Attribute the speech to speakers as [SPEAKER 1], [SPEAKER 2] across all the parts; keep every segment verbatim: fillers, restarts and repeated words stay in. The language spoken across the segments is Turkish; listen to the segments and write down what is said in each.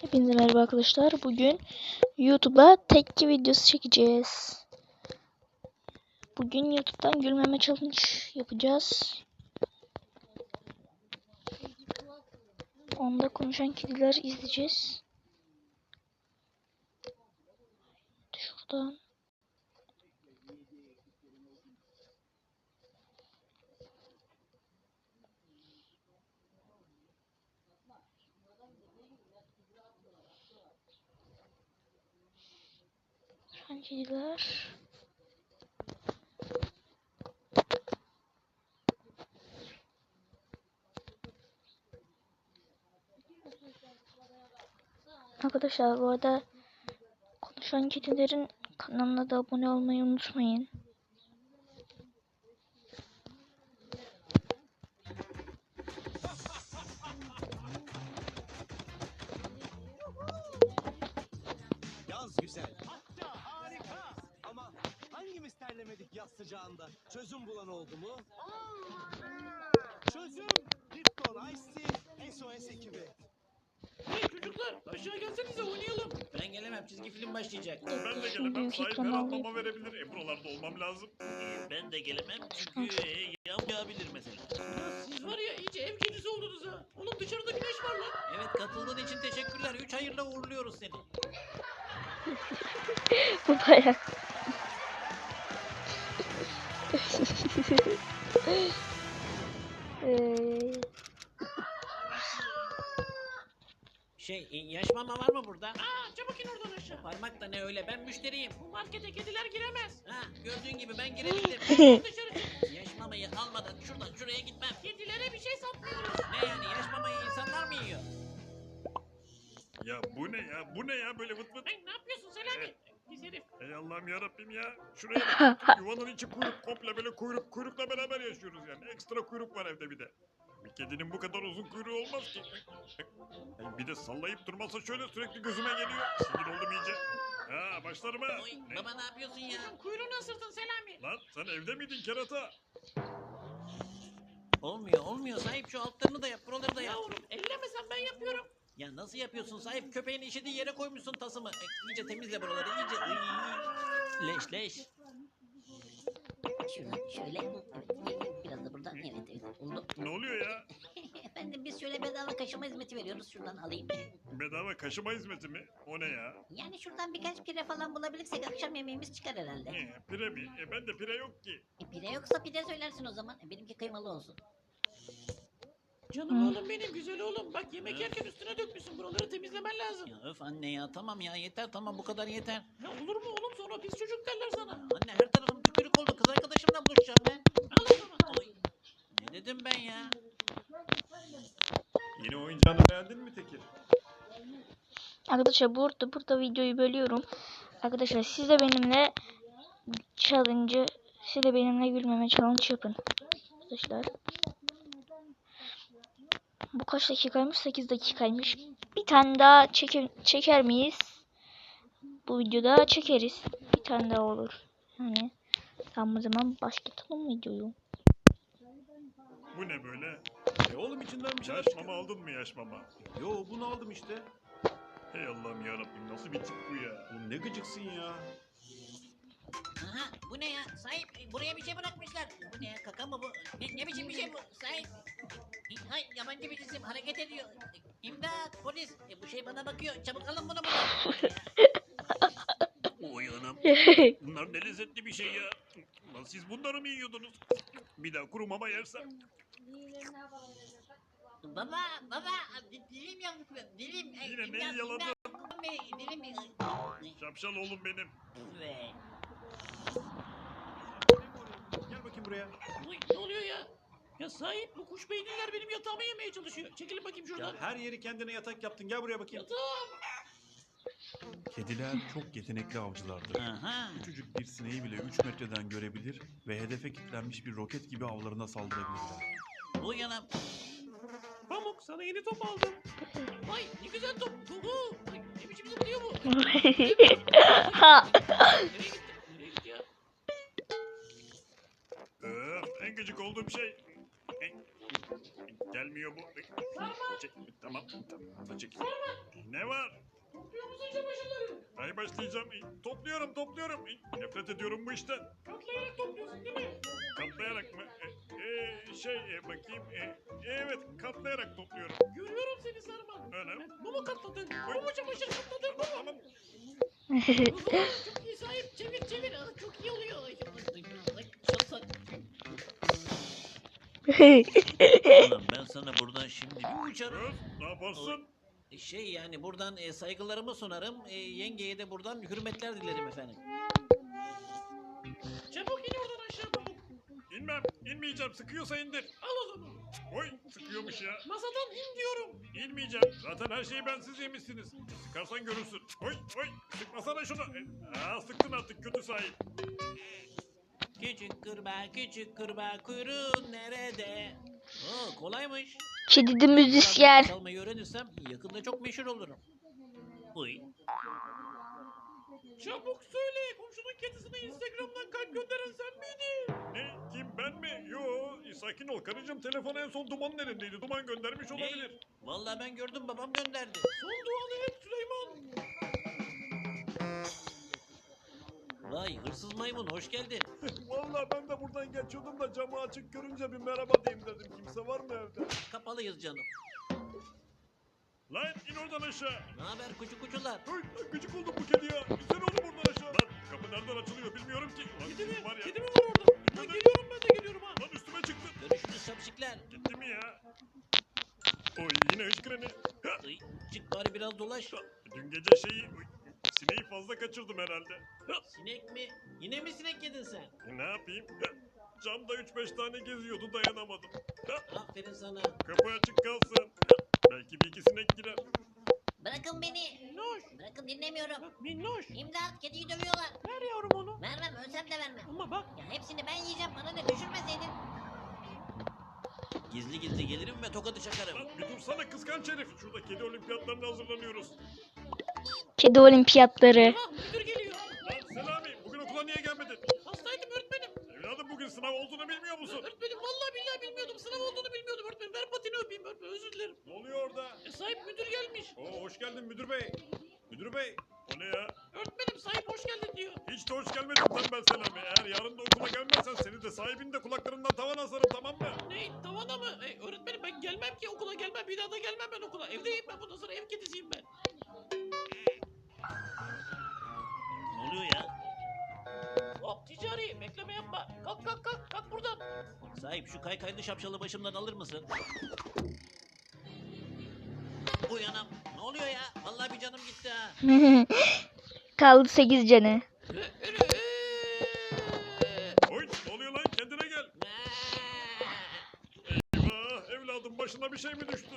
[SPEAKER 1] Hepinize merhaba arkadaşlar. Bugün YouTube'a tepki videosu çekeceğiz. Bugün YouTube'dan gülmeme challenge yapacağız. Onda konuşan kediler izleyeceğiz. Şuradan. Konuşan kediler. Arkadaşlar bu arada konuşan kedilerin kanalına da abone olmayı unutmayın.
[SPEAKER 2] Yaz güzel. Hatta harika. Ama hangimiz terlemedik yaz sıcağında? Çözüm bulan oldu mu? Çözüm Lipton Ice Tea S O S ekibi.
[SPEAKER 3] Hey çocuklar aşağı gelsenize oynayalım. Ben gelemem, çizgi film başlayacak.
[SPEAKER 4] Ben de
[SPEAKER 1] Şimdi
[SPEAKER 4] gelemem.
[SPEAKER 1] büyük
[SPEAKER 4] Sahip her
[SPEAKER 1] ekran
[SPEAKER 4] atmama verebilir. E buralarda olmam lazım.
[SPEAKER 3] Ee, ben de gelemem çünkü e, yağmur yağabilir mesela. Ya siz var ya iyice ev kedisi oldunuz ha. Oğlum dışarıda güneş var lan. Evet katıldığın için teşekkürler. Üç hayırla uğurluyoruz seni.
[SPEAKER 1] Bu bayağı. Eee
[SPEAKER 3] Şey e, yaş mama var mı burada? Aa çabuk in oradan aşağı. Parmak da ne öyle, ben müşteriyim. Bu markete kediler giremez. Ha gördüğün gibi ben girebildim. Dışarı çık. Yaş mamayı almadan şuradan şuraya gitmem. Kedilere bir şey satmıyoruz. Ne yani, yaş mamayı insanlar mı yiyor?
[SPEAKER 4] Ya bu ne ya? Bu ne ya? Böyle vıt vıt.
[SPEAKER 3] Hey ne yapıyorsun Selami? Pis herif.
[SPEAKER 4] Ey Allah'ım yarabbim ya. Şuraya bak. Yuvanın içi kuyruk. Komple böyle kuyruk. Kuyrukla beraber yaşıyoruz yani. Ekstra kuyruk var evde bir de. Bir kedinin bu kadar uzun kuyruğu olmaz ki. Yani bir de sallayıp durmasa şöyle sürekli gözüme geliyor. Sinir oldum iyice. Ha başlarım ha.
[SPEAKER 3] Oy,
[SPEAKER 4] Ne?
[SPEAKER 3] baba ne yapıyorsun ya? Kuyruğunu ısırtın Selami.
[SPEAKER 4] Lan sen evde miydin kerata?
[SPEAKER 3] Olmuyor olmuyor sahip, şu altlarını da yap, buraları da yap. Yavrum ellemesen ben yapıyorum. Ya nasıl yapıyorsun sahip, köpeğin işediği yere koymuşsun tasımı. E, iyice temizle buraları iyice. Iy, leş leş.
[SPEAKER 5] Şuradan şöyle, evet, biraz da buradan, evet evet oldu.
[SPEAKER 4] Ne oluyor ya?
[SPEAKER 5] Efendim biz şöyle bedava kaşıma hizmeti veriyoruz, şuradan alayım.
[SPEAKER 4] Bedava kaşıma hizmeti mi? O ne ya?
[SPEAKER 5] Yani şuradan birkaç pire falan bulabilirsek akşam yemeğimiz çıkar herhalde.
[SPEAKER 4] E, pire mi? E bende pire yok ki.
[SPEAKER 5] E, pire yoksa pide söylersin o zaman. E, benimki kıymalı olsun.
[SPEAKER 3] Canım oğlum benim, güzel oğlum. Bak yemek yerken üstüne dökmüşsün, buraları temizlemen lazım. Ya öf anne ya, tamam ya yeter, tamam bu kadar yeter. Ya olur mu oğlum, sonra pis çocuk derler sana. Anne her tarafım tükürük oldu, kız arkadaşımla buluşacağım ben. Al o zaman. Oy. Ne dedim ben ya?
[SPEAKER 4] Yeni oyuncağını beğendin mi Tekir?
[SPEAKER 1] Arkadaşlar burada burada videoyu bölüyorum. Arkadaşlar siz de benimle challenge'ı siz de benimle gülmeme challenge yapın. Arkadaşlar. Bu kaç dakikaymış? sekiz dakikaymış. Bir tane daha çeker, çeker miyiz? Bu videoda çekeriz. Bir tane daha olur. Yani tamam, o zaman başlatalım videoyu.
[SPEAKER 4] Bu ne böyle?
[SPEAKER 6] E oğlum içinden bir şeyler
[SPEAKER 4] Yaş
[SPEAKER 6] çıkıyor.
[SPEAKER 4] mama aldın mı yaş mama?
[SPEAKER 6] Yo bunu aldım işte.
[SPEAKER 4] Hey Allah'ım yarabbim nasıl bir tip bu ya?
[SPEAKER 6] Oğlum ne gıcıksın ya.
[SPEAKER 5] Aha bu ne ya sahip, e, buraya bir şey bırakmışlar. Bu ne ya, kaka mı bu? Ne, ne biçim bir şey bu sahip? E, Hay yabancı bir cisim hareket ediyor. E, İmdat polis, e, bu şey bana bakıyor, çabuk alın bunu buradan.
[SPEAKER 4] Oy anam. Bunlar ne lezzetli bir şey ya. Lan siz bunları mı yiyordunuz? Bir daha kuru mama yersem.
[SPEAKER 5] Baba baba di- dilim yandı, dilim. e,
[SPEAKER 4] Yine
[SPEAKER 5] imdat,
[SPEAKER 4] neyi yaladın?
[SPEAKER 5] imdat, Bey, dilim. e,
[SPEAKER 4] Şapşal oğlum benim.
[SPEAKER 5] Ve
[SPEAKER 6] Gel bakayım buraya.
[SPEAKER 3] Oy ne oluyor ya? Ya sahip, bu kuş beyinliler benim yatağımı yemeye çalışıyor. Çekilin bakayım
[SPEAKER 6] Ya
[SPEAKER 3] şuradan.
[SPEAKER 6] her yeri kendine yatak yaptın. Gel buraya bakayım.
[SPEAKER 3] Yatağım.
[SPEAKER 6] Kediler çok yetenekli avcılardır.
[SPEAKER 3] Aha.
[SPEAKER 6] Küçücük bir sineği bile üç metreden görebilir ve hedefe kilitlenmiş bir roket gibi avlarına saldırabilirler.
[SPEAKER 3] Uyanım. Pamuk, sana yeni top aldım. Vay ne güzel top. Uhu. Ay, ne biçim zıplıyor bu? Nereye gitti? Nereye gitti ya?
[SPEAKER 4] Öf en gıcık olduğum şey. Gelmiyor bu. Çek, tamam, tamam da çek. Ne var?
[SPEAKER 3] Topluyor musun çamaşırları?
[SPEAKER 4] Ay başlayacağım. Topluyorum, topluyorum. Nefret ediyorum bu işten.
[SPEAKER 3] Katlayarak topluyorsun değil mi?
[SPEAKER 4] Katlayarak mı? E, e, şey e, bakayım. E, evet, katlayarak topluyorum.
[SPEAKER 3] Görüyorum seni Sarman.
[SPEAKER 4] Öyle.
[SPEAKER 3] Bu mu katladın? Bu mu çamaşır katladın? Bu mu?
[SPEAKER 4] Tamam.
[SPEAKER 3] Hızlı, çok iyi sahip. Çevir çevir. Aa, çok iyi oluyor. Ay, ay, ay, çok sa- Ulan ben sana buradan şimdi bir uçarım.
[SPEAKER 4] Kız, ne yaparsın?
[SPEAKER 3] Şey yani buradan e, saygılarımı sunarım. E, yengeye de buradan hürmetler dilerim efendim. Çabuk in oradan aşağı çabuk.
[SPEAKER 4] İnmem, inmeyeceğim. Sıkıyorsa indir.
[SPEAKER 3] Al o zaman.
[SPEAKER 4] Oy, sıkıyormuş ya.
[SPEAKER 3] Masadan in diyorum.
[SPEAKER 4] İnmeyeceğim. Zaten her şeyi bensiz yemişsiniz. Sıkarsan görürsün. Oy, oy, sıkmasana şunu. E, Aa, sıktın artık kötü sahip.
[SPEAKER 3] Küçük kurbağa küçük kurbağa kuyruğun nerede? Oo, kolaymış.
[SPEAKER 1] Kedi de müzisyen.
[SPEAKER 3] Çalmayı öğrenirsem yakında çok meşhur olurum. Uy. Çabuk söyle. Komşunun kedisine Instagram'dan kalp gönderen sen miydin?
[SPEAKER 4] Ne, kim, ben mi? Yo, sakin ol karıcığım. Telefon en son Duman'ın elindeydi. Duman göndermiş olabilir.
[SPEAKER 3] Vallahi ben gördüm babam gönderdi. Son duanı et Süleyman. Vay hırsız maymun hoş geldin.
[SPEAKER 4] Vallahi ben de buradan geçiyordum da camı açık görünce bir merhaba diyeyim dedim. Kimse var mı evde?
[SPEAKER 3] Kapalıyız canım.
[SPEAKER 4] Lan in oradan aşağı.
[SPEAKER 3] Ne haber kucu kucular?
[SPEAKER 4] Oy, gıcık oldum bu kedi ya. İnsene oğlum oradan aşağı. Lan kapı nereden açılıyor bilmiyorum ki. Lan
[SPEAKER 3] Kedi mi?
[SPEAKER 4] sizin var ya.
[SPEAKER 3] Kedi mi var orada? Lan geliyorum ben de geliyorum ha.
[SPEAKER 4] Lan üstüme çıktı.
[SPEAKER 3] Görüşürüz şapşikler.
[SPEAKER 4] Gitti mi ya? Oy yine hıçkıreni. Ha,
[SPEAKER 3] Ay, çık bari biraz dolaş.
[SPEAKER 4] dün gece şeyi... Oy, sineği fazla kaçırdım herhalde. Ha,
[SPEAKER 3] Sinek mi? Yine mi sinek yedin sen?
[SPEAKER 4] e, ne yapayım? Ha, camda üç beş tane geziyordu dayanamadım. Ha,
[SPEAKER 3] Aferin sana.
[SPEAKER 4] kapı açık kalsın. Ha, belki bir iki sinek girer.
[SPEAKER 5] Bırakın beni.
[SPEAKER 3] Minnoş.
[SPEAKER 5] Bırakın dinlemiyorum.
[SPEAKER 3] Minnoş.
[SPEAKER 5] İmdat kediyi dövüyorlar.
[SPEAKER 3] Ver yavrum onu.
[SPEAKER 5] Vermem ölsem de vermem.
[SPEAKER 3] Ama bak.
[SPEAKER 5] Ya hepsini ben yiyeceğim bana ne düşürmeseydin.
[SPEAKER 3] Gizli gizli gelirim ve tokadı çakarım.
[SPEAKER 4] Lan bir dursana kıskanç herif. Şurada kedi olimpiyatlarına hazırlanıyoruz.
[SPEAKER 1] Kedi olimpiyatları.
[SPEAKER 3] Ah müdür geliyor.
[SPEAKER 4] Lan Selami bugün okula niye gelmedin?
[SPEAKER 3] Hastaydım öğretmenim.
[SPEAKER 4] Evladım bugün sınav olduğunu bilmiyor musun?
[SPEAKER 3] Öğretmenim vallahi billahi bilmiyordum. Sınav olduğunu bilmiyordum öğretmenim. Ver patini öpeyim öğretmenim. Özür dilerim.
[SPEAKER 4] Ne oluyor orada?
[SPEAKER 3] E, sahip müdür gelmiş.
[SPEAKER 4] Oo hoş geldin müdür bey. Müdür bey. O ne ya?
[SPEAKER 3] Öğretmenim sahip hoş geldin diyor.
[SPEAKER 4] Hiç de hoş gelmedin tembel Selami. Eğer yarın da okula gelmezsen seni de sahibini de kulaklarından tavan asarım tamam mı?
[SPEAKER 3] Ne tavana mı? E, öğretmenim ben gelmem ki okula gelmem. Bir daha da gelmem ben okula. Evdeyim ben bundan sonra ev kedisiyim ben. Ne oluyor ya? Hop ticari bekleme yapma. Kalk kalk kalk kalk buradan. Sahip şu kaykaylı şapşalı başımdan alır mısın? Uyanam. Ne oluyor ya? Vallahi bir canım gitti ha.
[SPEAKER 1] Kaldı sekiz canı.
[SPEAKER 4] Oy ne oluyor lan kendine gel. Eyvah evladım başına bir şey mi düştü?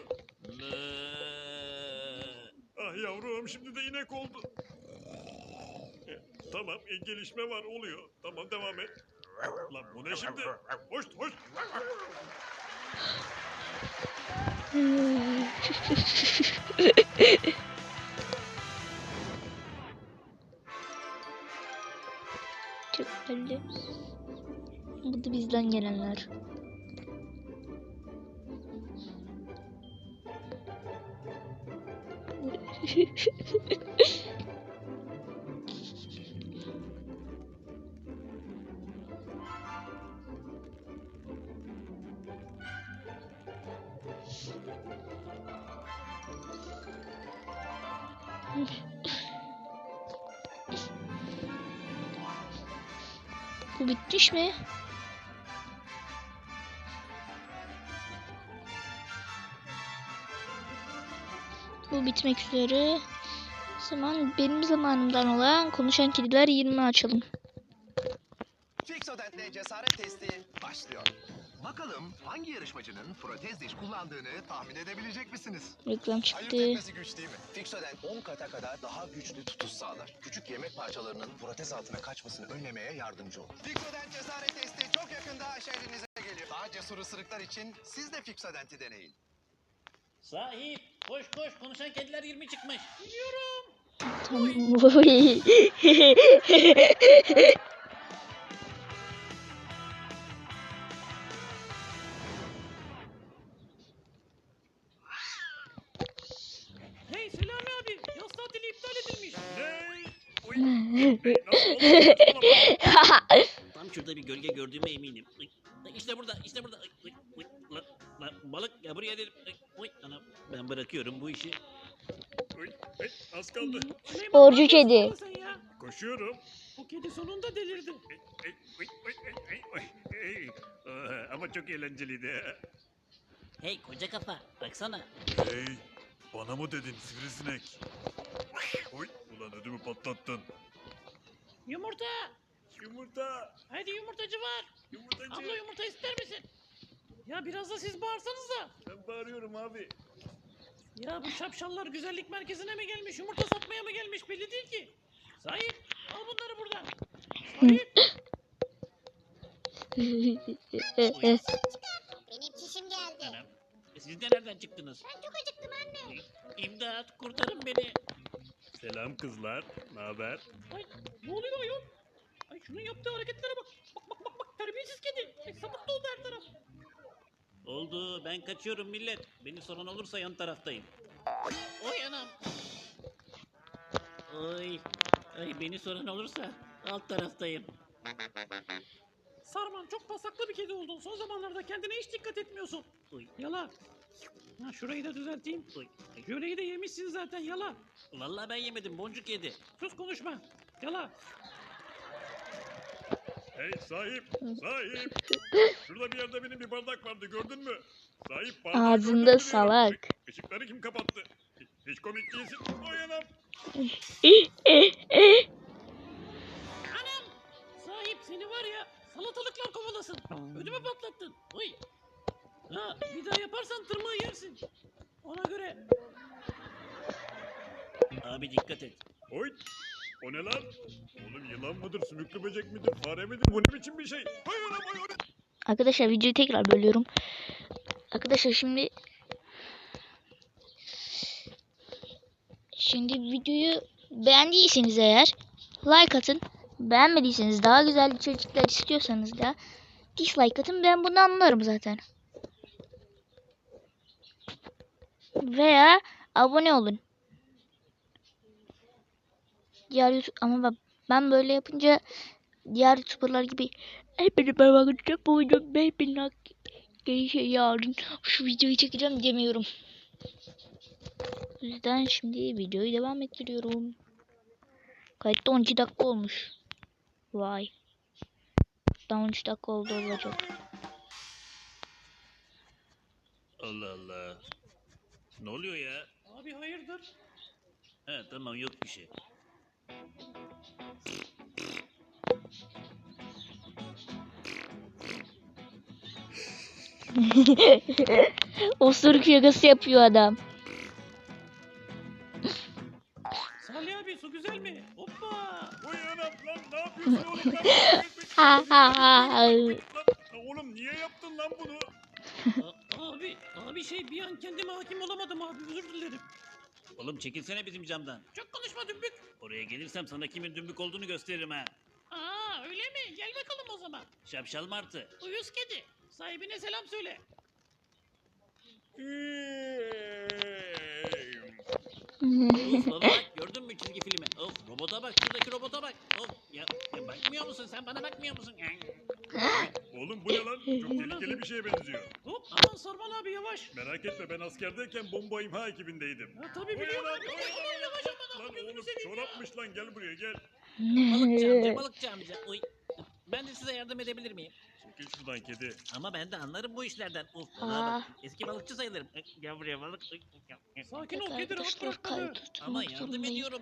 [SPEAKER 4] Ah yavrum şimdi de inek oldu. E, tamam e, gelişme var oluyor. Tamam devam et. Lan bu ne şimdi? Hoş hoş.
[SPEAKER 1] Çok belli. Bu da bizden gelenler. Bu bitmiş mi? Bu bitmek üzere. O zaman benim zamanımdan olan konuşan kediler yirmi açalım.
[SPEAKER 7] Fixodent'le cesaret testi başlıyor. Bakalım hangi yarışmacının protez diş kullandığını tahmin edebilecek misiniz?
[SPEAKER 1] Reklam
[SPEAKER 7] Ayırt
[SPEAKER 1] çıktı.
[SPEAKER 7] etmesi güç değil mi? Fixodent on kata kadar daha güçlü tutuş sağlar. Küçük yemek parçalarının protez altına kaçmasını önlemeye yardımcı olur. Fixodent cesaret testi çok yakında şehrinize geliyor. Daha cesur ısırıklar için siz de Fixodent'i deneyin.
[SPEAKER 3] Sahip koş koş konuşan kediler yirmi çıkmış. Biliyorum.
[SPEAKER 1] Tamam.
[SPEAKER 3] Hey Selami abi, yaz tatili iptal edilmiş.
[SPEAKER 4] Ne? Oy. Hey, nasıl oldu? Saçmalama.
[SPEAKER 3] Tam şurada bir gölge gördüğüme eminim. Ay, ay, İşte burada, işte burada. Ay, ay, ay, la- la- balık ya buraya dedim. Ay, oy, anam, ben bırakıyorum bu işi.
[SPEAKER 4] Oy, hey, az kaldı.
[SPEAKER 3] Süleyman,
[SPEAKER 1] Sporcu
[SPEAKER 3] ne yapıyorsun
[SPEAKER 1] kedi.
[SPEAKER 3] lan sen ya?
[SPEAKER 4] Koşuyorum.
[SPEAKER 3] Bu kedi sonunda delirdi.
[SPEAKER 4] Ey, ey, oy, oy, ey, ey, oy, ey. Aa, ama çok eğlenceliydi.
[SPEAKER 5] Hey koca kafa baksana.
[SPEAKER 4] Hey, bana mı dedin sivrisinek? Oy, ulan ödümü patlattın.
[SPEAKER 3] Yumurta.
[SPEAKER 4] Yumurta,
[SPEAKER 3] Hadi yumurtacı var.
[SPEAKER 4] yumurtacı.
[SPEAKER 3] Abla yumurta ister misin? Ya biraz da siz bağırsanız da.
[SPEAKER 4] Ben bağırıyorum abi.
[SPEAKER 3] Ya bu şapşallar güzellik merkezine mi gelmiş, yumurta satmaya mı gelmiş belli değil ki. Sahip, al bunları buradan. Sahip.
[SPEAKER 8] Benim çişim geldi.
[SPEAKER 3] Anam, e siz de nereden çıktınız?
[SPEAKER 8] Ben çok acıktım anne.
[SPEAKER 3] İmdat, kurtarın beni.
[SPEAKER 4] Selam kızlar, ne haber?
[SPEAKER 3] Ay, ne oluyor ayol? Ay şunun yaptığı hareketlere bak. Bak bak bak bak, terbiyesiz kedi. Ay sapık doldu her taraf. Oldu, ben kaçıyorum millet. Beni soran olursa yan taraftayım. Oy anam. Oy. Ay beni soran olursa alt taraftayım. Sarman çok pasaklı bir kedi oldun. Son zamanlarda kendine hiç dikkat etmiyorsun. Oy. Yala. Ha, şurayı da düzelteyim. Oy. Jöleyi de yemişsin zaten yala. Vallahi ben yemedim boncuk yedi. Sus konuşma. Yala.
[SPEAKER 4] Hey sahip, sahip. Şurada bir yerde benim bir bardak vardı gördün mü? Sahip bardağı
[SPEAKER 1] Ağzında
[SPEAKER 4] gördün mü diyorum.
[SPEAKER 1] salak.
[SPEAKER 4] Işıkları kim kapattı? Hiç komik değilsin. Oy anam.
[SPEAKER 3] Anam! Sahip seni var ya salatalıklar kovalasın. Ödümü patlattın. Oy. Ha, bir daha yaparsan tırmığı yersin. Ona göre. Abi dikkat et.
[SPEAKER 4] Oy. O ne lan? Oğlum yılan mıdır, sümüklü böcek midir, fare midir? Bu ne biçim bir şey? Oy anam oy oy.
[SPEAKER 1] Arkadaşlar videoyu tekrar bölüyorum. Arkadaşlar şimdi Şimdi videoyu beğendiyseniz eğer like atın. Beğenmediyseniz daha güzel içerikler istiyorsanız da dislike atın. Ben bunu anlarım zaten. Veya abone olun. Diğer YouTube ama bak ben böyle yapınca diğer YouTuber'lar gibi hepinize merhaba arkadaşlar bu video beş bin like şey yarın şu videoyu çekeceğim demiyorum. O yüzden şimdi videoyu devam ettiriyorum. Kayıtta on iki dakika olmuş. Vay. Daha on üç dakika oldu olacak.
[SPEAKER 3] Allah Allah. Ne oluyor ya? Abi hayırdır? He tamam yok bir şey.
[SPEAKER 1] Osuruk şakası yapıyor adam.
[SPEAKER 3] Salih abi su güzel mi? Hoppa.
[SPEAKER 4] Oy anam lan ne yapıyorsun oğlum lan?
[SPEAKER 1] Ha ha ha.
[SPEAKER 4] Lan, oğlum niye yaptın lan bunu?
[SPEAKER 3] A- abi, abi şey bir an kendime hakim olamadım abi özür dilerim. Oğlum çekilsene bizim camdan. Çok konuşma dümbük. Oraya gelirsem sana kimin dümbük olduğunu gösteririm ha. Aa öyle mi? Gel bakalım o zaman. Şapşal martı. Uyuz kedi. Sahibine selam söyle. Of baba bak gördün mü çizgi filmi? Of robota bak şuradaki robota bak. Of ya, ya bakmıyor musun sen bana bakmıyor musun?
[SPEAKER 4] Oğlum bu ne lan? Çok tehlikeli bir şeye benziyor.
[SPEAKER 3] Hop aman Sarman abi yavaş.
[SPEAKER 4] Merak etme ben askerdeyken bomba imha ekibindeydim.
[SPEAKER 3] Ha, tabii
[SPEAKER 4] Oy
[SPEAKER 3] biliyorum.
[SPEAKER 4] anam,
[SPEAKER 3] Aman
[SPEAKER 4] oy anam.
[SPEAKER 3] yavaş aman
[SPEAKER 4] Lan
[SPEAKER 3] abi gözünü
[SPEAKER 4] oğlum
[SPEAKER 3] seveyim ya.
[SPEAKER 4] çorapmış lan gel buraya gel.
[SPEAKER 3] Balıkçı amca balıkçı amca. Uy. Ben de size yardım edebilir miyim?
[SPEAKER 4] Çekil şuradan kedi.
[SPEAKER 3] Ama ben de anlarım bu işlerden. Uf,
[SPEAKER 1] Aa.
[SPEAKER 3] bana bak. Eski balıkçı sayılırım. Gel buraya balık. Sakin ol kedi rahat
[SPEAKER 1] Arkadaşlar
[SPEAKER 3] bırak beni.
[SPEAKER 1] kaydı
[SPEAKER 3] Ama
[SPEAKER 1] tutmak
[SPEAKER 3] yardım
[SPEAKER 1] zorundayım.
[SPEAKER 3] ediyorum.